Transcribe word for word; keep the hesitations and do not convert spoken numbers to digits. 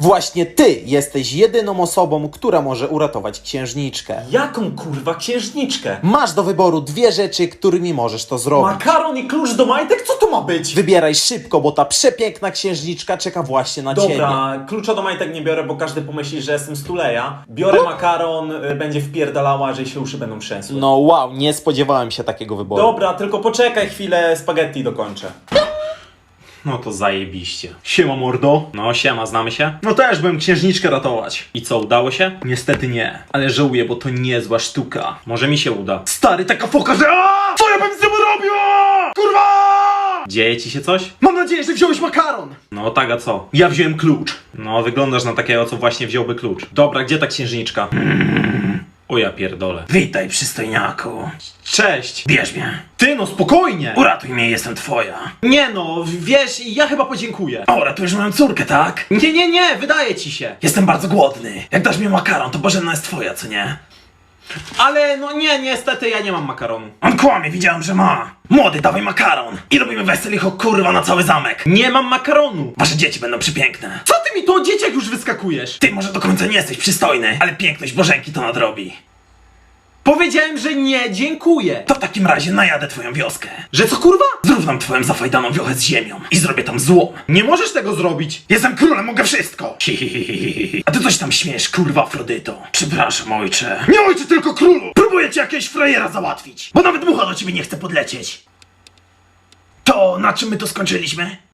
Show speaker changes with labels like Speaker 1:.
Speaker 1: Właśnie ty jesteś jedyną osobą, która może uratować księżniczkę.
Speaker 2: Jaką kurwa księżniczkę?
Speaker 1: Masz do wyboru dwie rzeczy, którymi możesz to zrobić.
Speaker 2: Makaron i klucz do majtek? Co to ma być?
Speaker 1: Wybieraj szybko, bo ta przepiękna księżniczka czeka właśnie na ciebie.
Speaker 2: Dobra, klucza do majtek nie biorę, bo każdy pomyśli, że jestem stuleja. Biorę makaron, y, będzie wpierdalała, że się uszy będą trzęsły.
Speaker 1: No wow, nie spodziewałem się takiego wyboru.
Speaker 2: Dobra, tylko poczekaj chwilę, spaghetti dokończę. No to zajebiście. Siema mordo. No siema, znamy się? No też byłem księżniczkę ratować. I co, udało się? Niestety nie. Ale żałuję, bo to niezła sztuka. Może mi się uda. Stary, taka foka, że aaa! Co ja bym z tym robił? Kurwa! Dzieje ci się coś? Mam nadzieję, że wziąłeś makaron. No tak, a co? Ja wziąłem klucz. No, wyglądasz na takiego, co właśnie wziąłby klucz. Dobra, gdzie ta księżniczka? O ja pierdolę.
Speaker 3: Witaj, przystojniaku.
Speaker 2: Cześć.
Speaker 3: Bierz mnie.
Speaker 2: Ty no, spokojnie.
Speaker 3: Uratuj mnie, jestem twoja.
Speaker 2: Nie no, wiesz, ja chyba podziękuję.
Speaker 3: O, ratujesz moją córkę, tak?
Speaker 2: Nie, nie, nie, wydaje ci się.
Speaker 3: Jestem bardzo głodny. Jak dasz mi makaron, to Bożena jest twoja, co nie?
Speaker 2: Ale no nie, niestety ja nie mam makaronu.
Speaker 3: On kłamie, widziałem, że ma. Młody, dawaj makaron. I robimy weselicho, kurwa, na cały zamek.
Speaker 2: Nie mam makaronu.
Speaker 3: Wasze dzieci będą przepiękne.
Speaker 2: Co ty mi tu o dzieciach już wyskakujesz?
Speaker 3: Ty może do końca nie jesteś przystojny, ale piękność Bożenki to nadrobi.
Speaker 2: Powiedziałem, że nie, dziękuję.
Speaker 3: To w takim razie najadę twoją wioskę.
Speaker 2: Że co kurwa?
Speaker 3: Zrównam twoją zafajdaną wiochę z ziemią i zrobię tam złom.
Speaker 2: Nie możesz tego zrobić.
Speaker 3: Jestem królem, mogę wszystko! Hihihihi. A ty coś tam śmiesz, kurwa Afrodyto. Przepraszam, ojcze. Nie ojcze, tylko królu! Próbuję ci jakiegoś frajera załatwić, bo nawet mucha do ciebie nie chce podlecieć. To na czym my to skończyliśmy?